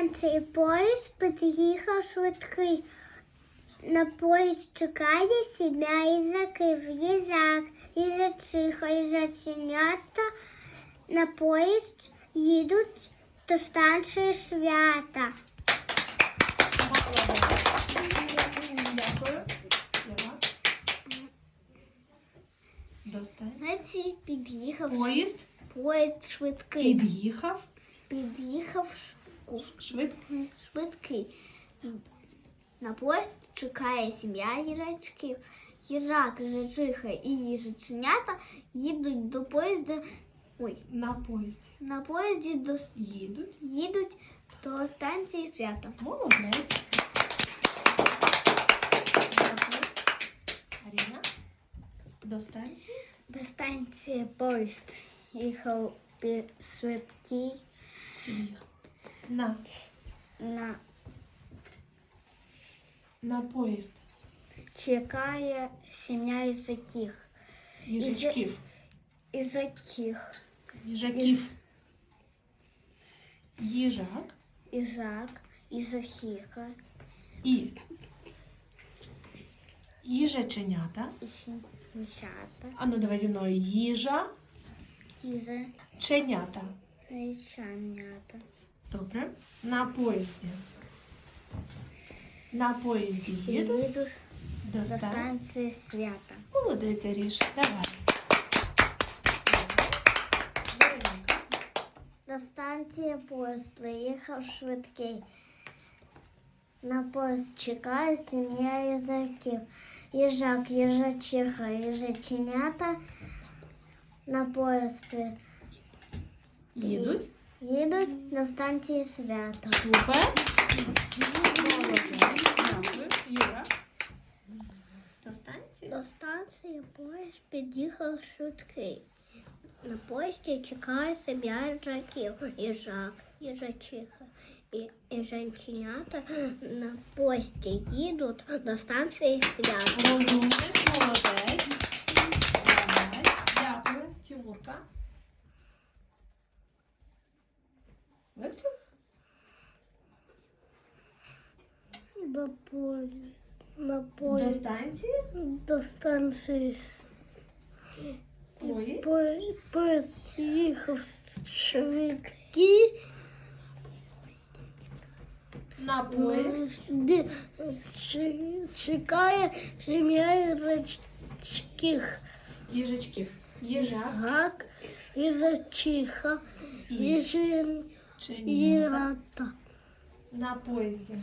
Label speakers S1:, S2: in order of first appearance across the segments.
S1: станції поїзд під'їхав швидкий. На поїзд чекає сім'я їжаків. Їжак, їжачиха, їжаченята на поїзд їдуть до станції свята.
S2: Дякую. До станції
S1: Під'їхав
S2: поїзд
S1: швидкий.
S2: під'їхав
S1: Під'їхав
S2: швидкий.
S1: швидкий. На поїзд чекає сім'я їжачків. Їжак, їжачиха і їжаченята їдуть до поїзда. На поїзді їдуть до станції свята.
S2: Молодець. Аріна. До станції.
S1: До станції поїзд їхав швидкий.
S2: На поїзд.
S1: Чекає сім'я їжаків.
S2: Їжачків. Їжаків. Їжак.
S1: Їжачиха
S2: І їжаченята.
S1: і їжата.
S2: А ну давай зі мною. Їжаченята.
S1: Їжаченята.
S2: Добре. На поїзді. На поїзді їдуть
S1: Їдуть
S2: до
S1: до станції свята.
S2: Молодець, Аріш. Давай.
S1: До станції поїзд приїхав швидкий. На поїзд чекає сім'я їжаків. Їжак, їжачиха, їжаченята на поїзд
S2: Їдуть.
S1: їдуть до станції свята.
S2: Супер. Дякую. Юра. До станції.
S1: До станції поїзд під'їхав швидкий. На поїзді чекає сім'я їжаків. Їжак, їжачиха і їжаченята на поїзді їдуть до станції свята.
S2: Розумник, молодець. Дякую. Тимурка. Вивчив? До станції.
S1: До станції
S2: Поїзд.
S1: їхав швидкий.
S2: На поїзд.
S1: Чекає сім'я їжачків.
S2: Їжачків. Їжак.
S1: Гак, їжачиха,
S2: Їжаченята.
S1: їжата.
S2: На поїзді.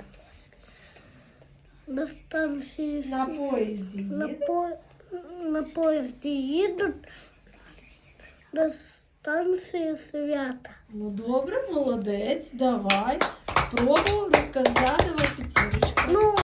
S1: До станції
S2: На поїзді.
S1: на поїзді їдуть до станції свята.
S2: Ну добре, молодець. Давай. Спробуй розказати вам п'ятірочку.